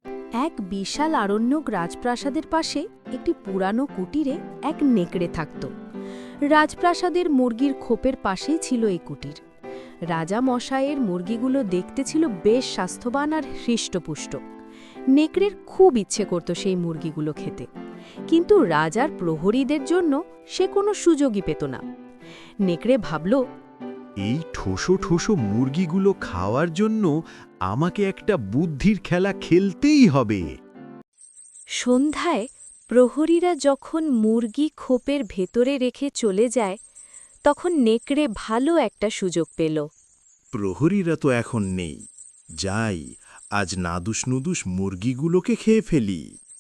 এক বিশাল আরণ্যক রাজপ্রাসাদের পাশে একটি পুরানো কুটিরে এক নেকড়ে থাকত। রাজপ্রাসাদের মুরগির খোপের পাশেই ছিল এই কুটির। রাজা মশাইয়ের মুরগিগুলো দেখতে ছিল বেশ স্বাস্থ্যবান আর হৃষ্টপুষ্ট। নেকড়ের খুব ইচ্ছে করত সেই মুরগিগুলো খেতে, কিন্তু রাজার প্রহরীদের জন্য সে কোনো সুযোগই পেত না। নেকড়ে ভাবল, এই ঠোসো ঠোসো মুরগিগুলো খাওয়ার জন্য আমাকে একটা বুদ্ধির খেলা খেলতেই হবে। সন্ধ্যায় প্রহরীরা যখন মুরগি খোপের ভেতরে রেখে চলে যায়, তখন নেকড়ে ভালো একটা সুযোগ পেল। প্রহরীরা তো এখন নেই, যাই আজ নাদুস নুদুস মুরগিগুলোকে খেয়ে ফেলি।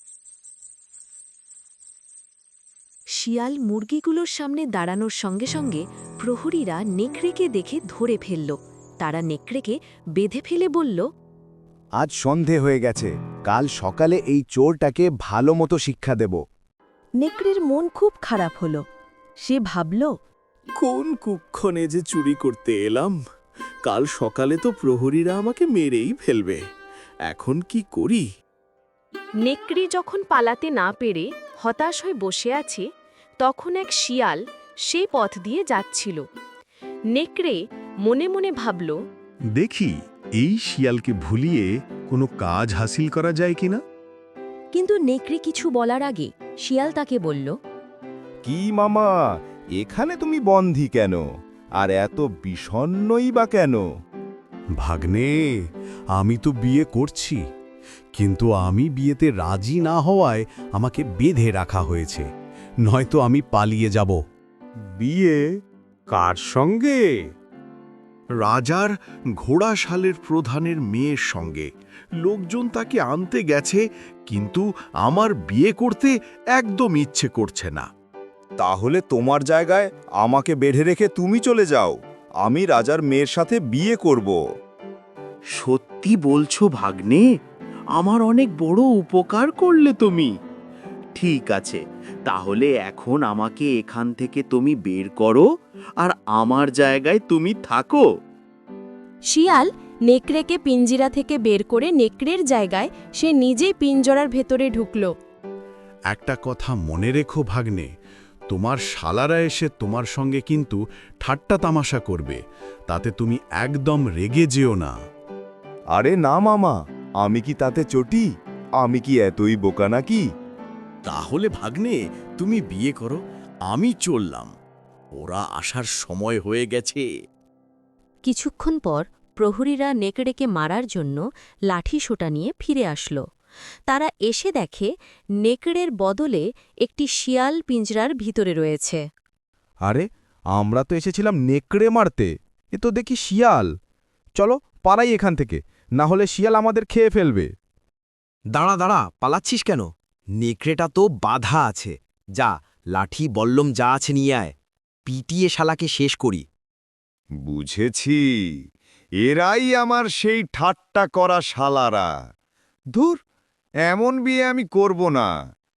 শিয়াল মুরগিগুলোর সামনে দাঁড়ানোর সঙ্গে সঙ্গে প্রহরীরা নেকড়েকে দেখে ধরে ফেলল। তারা নেকড়েকে বেঁধে ফেলে বলল, আজ সন্ধে হয়ে গেছে, কাল সকালে এই চোরটাকে ভালো মতো শিক্ষা দেব। নেকড়ের মন খুব খারাপ হল। সে ভাবল, কোন কুক্ষণে যে চুরি করতে এলাম, কাল সকালে তো প্রহরীরা আমাকে মেরেই ফেলবে। এখন কি করি? নেকড়ে যখন পালাতে না পেরে হতাশ হয়ে বসে আছে, তখন এক শিয়াল সেই পথ দিয়ে যাচ্ছিল। নেকড়ে মনে মনে ভাবল, দেখি এই শিয়ালকে ভুলিয়ে কোনো কাজ হাসিল করা যায় কিনা। কিন্তু নেকড়ে কিছু বলার আগে শিয়াল তাকে বলল, কি মামা, এখানে তুমি বন্ধি কেন? আর এত বিষণ্ণই বা কেন? ভাগ্নে, আমি তো বিয়ে করছি, কিন্তু আমি বিয়েতে রাজি না হওয়ায় আমাকে বেঁধে রাখা হয়েছে, নয়তো আমি পালিয়ে যাব। বিয়ে কার সঙ্গে? রাজার ঘোড়াশালের প্রধানের মেয়ের সঙ্গে। লোকজন তাকে আনতে গেছে, কিন্তু আমার বিয়ে করতে একদম ইচ্ছে করছে না। তাহলে তোমার জায়গায় আমাকে বেঁধে রেখে তুমি চলে যাও, আমি রাজার মেয়ের সাথে বিয়ে করব। সত্যি বলছো ভাগ্নে? আমার অনেক বড় উপকার করলে তুমি। ঠিক আছে, তাহলে এখন আমাকে এখান থেকে তুমি বের করো, আর আমার জায়গায় তুমি থাকো। শিয়াল নেকড়েকে পিঞ্জিরা থেকে বের করে নেকড়ের জায়গায় সে নিজেই পিঞ্জরার ভেতরে ঢুকল। একটা কথা মনে রেখো ভাগ্নে, তোমার শালারা এসে তোমার সঙ্গে কিন্তু ঠাট্টা তামাশা করবে, তাতে তুমি একদম রেগে যেও না। আরে না মামা, আমি কি তাতে চটি? আমি কি এতই বোকা নাকি? তাহলে ভাগ্নে তুমি বিয়ে করো, আমি চললাম। ওরা আসার সময় হয়ে গেছে। কিছুক্ষণ পর প্রহরীরা নেকড়েকে মারার জন্য লাঠি সোটা নিয়ে ফিরে আসলো। তারা এসে দেখে নেকড়ের বদলে একটি শিয়াল পিঞ্জরার ভিতরে রয়েছে। আরে, আমরা তো এসেছিলাম নেকড়ে মারতে, এ তো দেখি শিয়াল। চলো পালাই এখান থেকে, না হলে শিয়াল আমাদের খেয়ে ফেলবে। দাঁড়া দাঁড়া, পালাচ্ছিস কেন? নেকড়েটা তো বাধা আছে। যা, লাঠি বল্লম যা আছে নিয়ে আয়, পিটিয়ে শালাকে শেষ করি। বুঝেছি, এরাই আমার সেই ঠাট্টা করা শালারা। ধুর, এমন বিয়ে আমি করব না।